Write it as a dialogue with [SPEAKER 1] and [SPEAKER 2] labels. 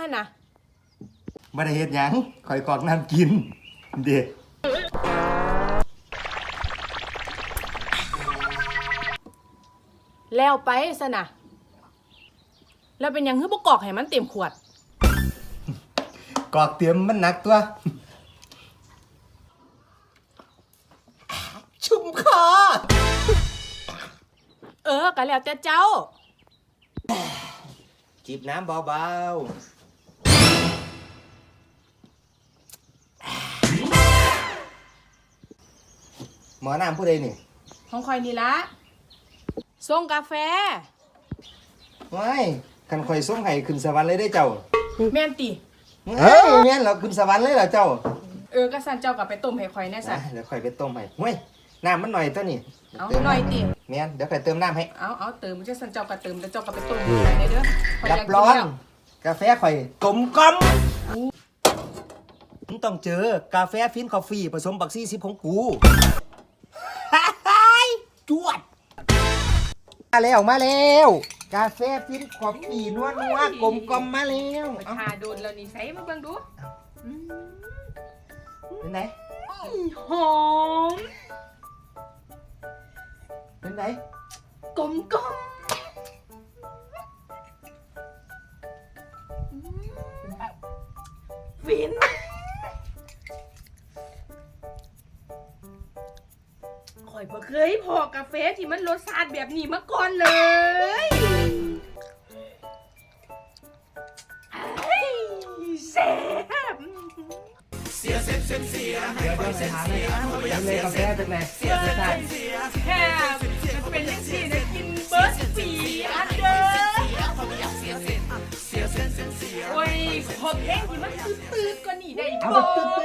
[SPEAKER 1] ะนะ
[SPEAKER 2] บ่ได้เฮ็ดหยังข่อยกรอกน้ำกินเด้
[SPEAKER 1] แล้วไปซะนะแล้วเป็นหยังคือบ่กรอกให้มันเต็มขวด
[SPEAKER 2] กรอกเตรียมมันหนักตัวชุ่มคอ
[SPEAKER 1] ก็แล้วแต่เจ้า
[SPEAKER 2] จิบน้ำเบาๆหมอน้ำผู้ใดนี่
[SPEAKER 1] ของคอยนี่ละส่งกาแฟ
[SPEAKER 2] ว้ายคันข่อยส่งให้ขึ้นสวรรค์เลยได้เจ้า
[SPEAKER 1] แม่นติ
[SPEAKER 2] เฮ้ยแม่นเหรอขึ้นสวรรค์เลยเหรอเจ้า
[SPEAKER 1] ก็สั่นเจ้าก็ไปต้มให้ข่อยแน่ซะ
[SPEAKER 2] เดี๋ยวข่อยไปต้มให้เฮ้ยน้ำมันหน่อยตัวนี่
[SPEAKER 1] เอาหน่อยติ
[SPEAKER 2] แม่นเดี๋ยวข่อยเติมน้ำให้
[SPEAKER 1] เอาเติมจะสั่นเจ้าก็เติมแล้วเจ้าก็ไปต้มให้เด้อ
[SPEAKER 2] รับรองกาแฟข่อยกลมกล่อมมึงต้องเจอกาแฟฟินคอฟฟี่ผสมบักซี่10ของกูจวดมาแล้วกาแฟฟินคอฟฟี่นัวกลมกล่อมมาแล้ว
[SPEAKER 1] ไปทาโดนแล้วนี่ใส่มาเบิ่งดู
[SPEAKER 2] เป็นไง
[SPEAKER 1] หอม
[SPEAKER 2] เป็นไง
[SPEAKER 1] กลมกล่อมฟินข่อยบ่เคยพอกาแฟที่มันรสชาติแบบนี้มาก่อนเลยแซ่บ
[SPEAKER 2] เดี๋ยวไปหาเลยกาแฟเป็นไง
[SPEAKER 1] แซ่บเป็นยังสินะกินเบิร์ดปีอันเด้อโอ้ยขอเพลงที่มันตื้อๆกว่านี้ได้บ่